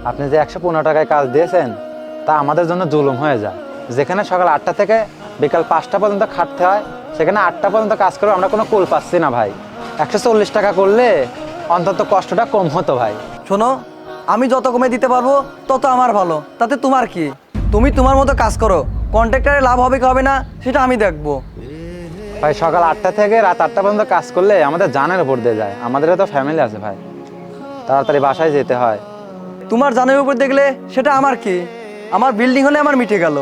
আপনি যে 115 টাকায় কাজ দিয়েছেন তা আমাদের জন্য জুলুম হয়ে যায়। যেখানে সকাল 8টা থেকে বিকাল 5টা পর্যন্ত খাটতে হয়, সেখানে 8টা পর্যন্ত কাজ করে আমরা কোনো কুল পাচ্ছি না ভাই। 140 টাকা করলে অন্তত কষ্টটা কম হতো ভাই। শোনো, আমি যত কমে দিতে পারবো তত আমার ভালো, তাতে তোমার কি? তুমি তোমার মতো কাজ করো, কন্ট্রাক্টরে লাভ হবে কি হবে না সেটা আমি দেখবো। ভাই সকাল 8টা থেকে রাত 8টা পর্যন্ত কাজ করলে আমাদের জানের উপর দিয়ে যায়, আমাদেরও তো ফ্যামিলি আছে ভাই, তাড়াতাড়ি বাসায় যেতে হয়। তোমার জানের উপর দেখলে সেটা আমার কি? আমার বিল্ডিং হলে আমার মিটে গেল।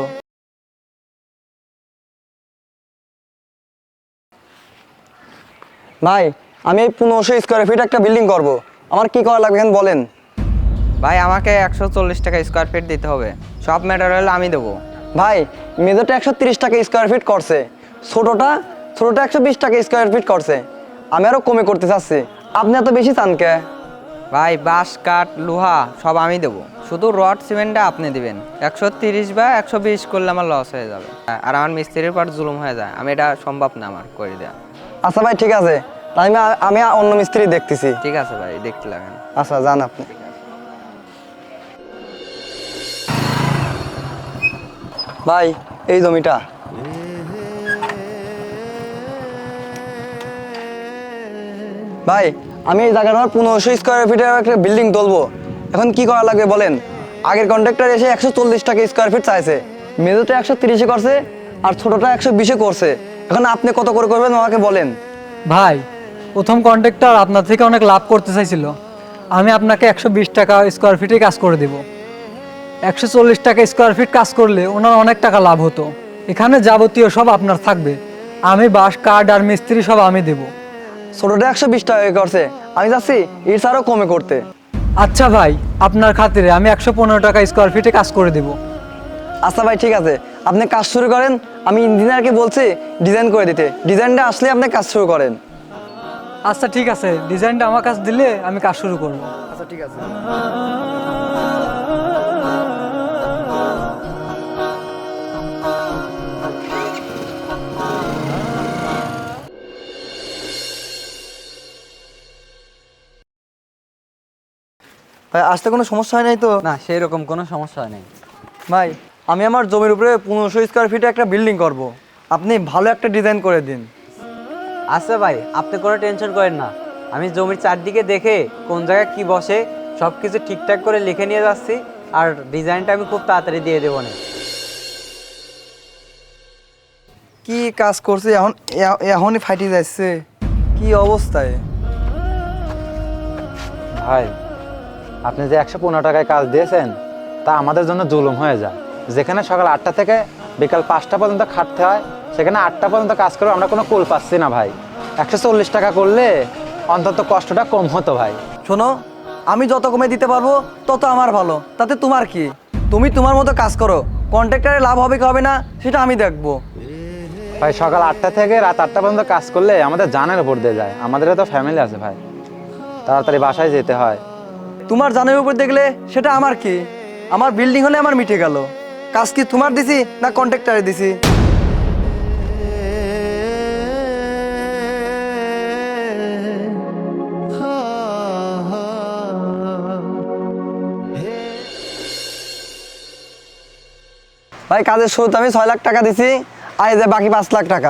ভাই, আমি এই 1500 স্কোয়ার ফিট একটা বিল্ডিং করব, আমার কি করা লাগবে বলেন? ভাই আমাকে 140 টাকা স্কোয়ার ফিট দিতে হবে, সব ম্যাটেরিয়াল আমি দেবো। ভাই, মেজরটা 130 টাকা স্কোয়ার ফিট করছে, ছোটটা 120 টাকা স্কোয়ার ফিট করছে। আমি আরো কমে করতে চাচ্ছি, আপনি এত বেশি চান কে? ভাই বাঁশ কাঠ লোহা সব আমি দেবো, শুধু রড সিমেন্টটা আপনি দিবেন। 130 বা 120 করলে আমার লস হয়ে যাবে, আর আমার মিস্ত্রির পর জুলুম হয়ে যায়, আমি এটা সম্ভব না আমার করে দেওয়া। আচ্ছা ভাই, ঠিক আছে, তাই আমি অন্য মিস্ত্রি দেখতেছি। ঠিক আছে ভাই, দেখতে লাগেন। আচ্ছা, যান আপনি। ভাই, এই জমিটা। ভাই, আমি এই জায়গাটা 1500 স্কোয়ার ফিটের একটা বিল্ডিং তুলবো, এখন কি করা লাগবে বলেন? আগের কন্ট্রাক্টর এসে 140 টাকা স্কোয়ার ফিট চাইছে, মেজরটা 130 করছে আর ছোটটা 120 করছে। এখন আপনি কত করে করবেন আমাকে বলেন। ভাই, প্রথম কন্ট্রাক্টর আপনার থেকে অনেক লাভ করতে চাইছিল, আমি আপনাকে 120 টাকা স্কোয়ার ফিটে কাজ করে দেব। 140 টাকা স্কোয়ার ফিট কাজ করলে ওনার অনেক টাকা লাভ হতো। এখানে যাবতীয় সব আপনার থাকবে, আমি বাঁশ কাঠ আর মিস্ত্রি সব আমি দেব। ছোটটা 120 টাকা করছে, আমি যাচ্ছি এর আরও কমে করতে। আচ্ছা ভাই, আপনার খাতিরে আমি 115 টাকা স্কোয়ার ফিটে কাজ করে দেব। আচ্ছা ভাই, ঠিক আছে, আপনি কাজ শুরু করেন, আমি ইঞ্জিনিয়ারকে বলছি ডিজাইন করে দিতে, ডিজাইনটা আসলে আপনি কাজ শুরু করেন। আচ্ছা ঠিক আছে, ডিজাইনটা আমার কাছে দিলে আমি কাজ শুরু করব। আচ্ছা ঠিক আছে। ভাই, আসতে কোনো সমস্যা হয় নাই তো? না, সেই রকম কোনো সমস্যা নেই। ভাই, আমি আমার জমির উপরে 1500 স্কোয়ার ফিটে একটা বিল্ডিং করব, আপনি ভালো একটা ডিজাইন করে দিন। আচ্ছা ভাই, আপনি কোনো টেনশন করেন না, আমি জমির চারদিকে দেখে কোন জায়গায় কি বসে সব কিছু ঠিকঠাক করে লিখে নিয়ে যাচ্ছি, আর ডিজাইনটা আমি খুব তাড়াতাড়ি দিয়ে দেবো না। কি কাজ করছে এখন, এখনই ফাইটে যাচ্ছে, কি অবস্থায়? ভাই আপনি যে 115 টাকায় কাজ দিয়েছেন তা আমাদের জন্য জুলুম হয়ে যায়। যেখানে সকাল 8টা থেকে বিকাল 5টা পর্যন্ত খাটতে হয়, সেখানে 8টা পর্যন্ত কাজ করে আমরা কোনো কুল পাচ্ছি না ভাই। 140 টাকা করলে অন্তত কষ্টটা কম হতো ভাই। শোনো, আমি যত কমে দিতে পারবো তত আমার ভালো, তাতে তোমার কি? তুমি তোমার মতো কাজ করো, কন্ট্রাক্টরে লাভ হবে কি হবে না সেটা আমি দেখবো। ভাই সকাল 8টা থেকে রাত 8টা পর্যন্ত কাজ করলে আমাদের জানের উপর দিয়ে যায়, আমাদেরও তো ফ্যামিলি আছে ভাই, তাড়াতাড়ি বাসায় যেতে হয়। তোমার জানের উপর দেখলে সেটা আমার কি? আমার বিল্ডিং হলে আমার মিটে গেল। কাজ কি তোমার দিছি না কন্ট্রাক্টরে দিছি? ভাই, কাজের শুরুতে আমি 6 লাখ টাকা দিছি, আর এই যে বাকি 5 লাখ টাকা।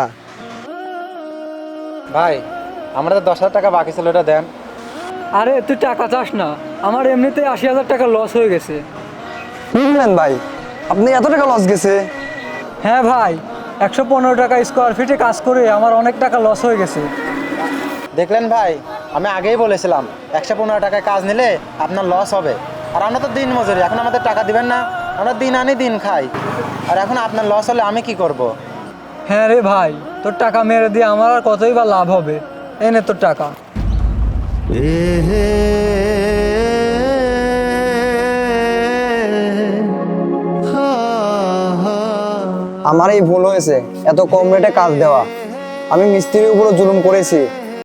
ভাই আমরা তো 10,000 টাকা বাকি ছিল, ওটা দেন। আরে তুই টাকা চাস না, আমার এমনিতে 80,000 টাকা লস হয়ে গেছে। বুঝলেন ভাই, আপনি এত টাকা লস গেছে? হ্যাঁ ভাই, 115 টাকা স্কোয়ার ফিটে কাজ করে আমার অনেক টাকা লস হয়ে গেছে। দেখলেন ভাই, আমি আগেই বলেছিলাম 115 টাকায় কাজ নিলে আপনার লস হবে। আর আমরা তো দিন মজুরি, এখন আমাদের টাকা দিবেন না? আমরা দিন আনি দিন খাই, আর এখন আপনার লস হলে আমি কি করব? হ্যাঁ রে ভাই, তোর টাকা মেরে দিয়ে আমার আর কতই বা লাভ হবে, এনে তোর টাকা। আমার এই ভুল হয়েছে এত কম রেটে কাজ দেওয়া, আমি মিস্ত্রির উপরও জুলুম করেছি।